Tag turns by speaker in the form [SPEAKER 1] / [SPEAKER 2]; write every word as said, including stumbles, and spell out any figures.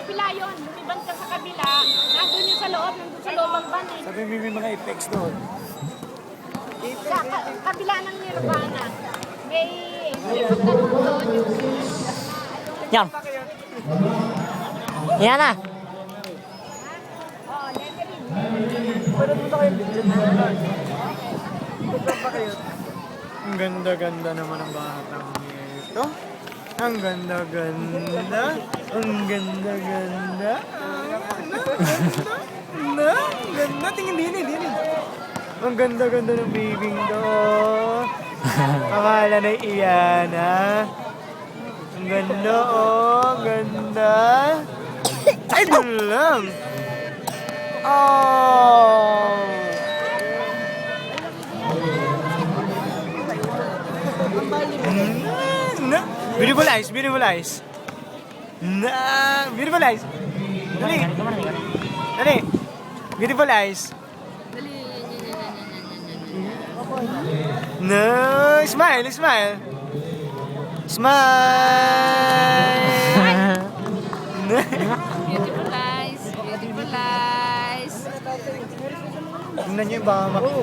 [SPEAKER 1] kabila yun. Lumibang ka sa kabila. Nandun yung sa loob, nandun sa loob ang van eh.
[SPEAKER 2] Sabi mo may mga effects doon.
[SPEAKER 1] Sa ka- kabila ng Nirvana. May lumibang ka doon yung...
[SPEAKER 3] Yan. Yan na.
[SPEAKER 1] Oh, lettering.
[SPEAKER 2] Pwede mo na kayo video mo na. Pwede pa kayo. Ang ganda-ganda naman ang batang ito. Ang ganda-ganda. Ang ganda-ganda. Ang ganda. Ang ganda. Tingin din eh, din eh. Ang ganda-ganda ng bibing to. Akala na iyan ha. Ang ganda oh. Ang ganda. Ay, doon lang. Oh. Na, beautiful eyes, beautiful eyes. Na, beautiful eyes. Dali. Dali. Beautiful eyes. No, smile, smile. Smile.
[SPEAKER 1] Beautiful eyes. Beautiful eyes.
[SPEAKER 2] Tingnan niyo yung baka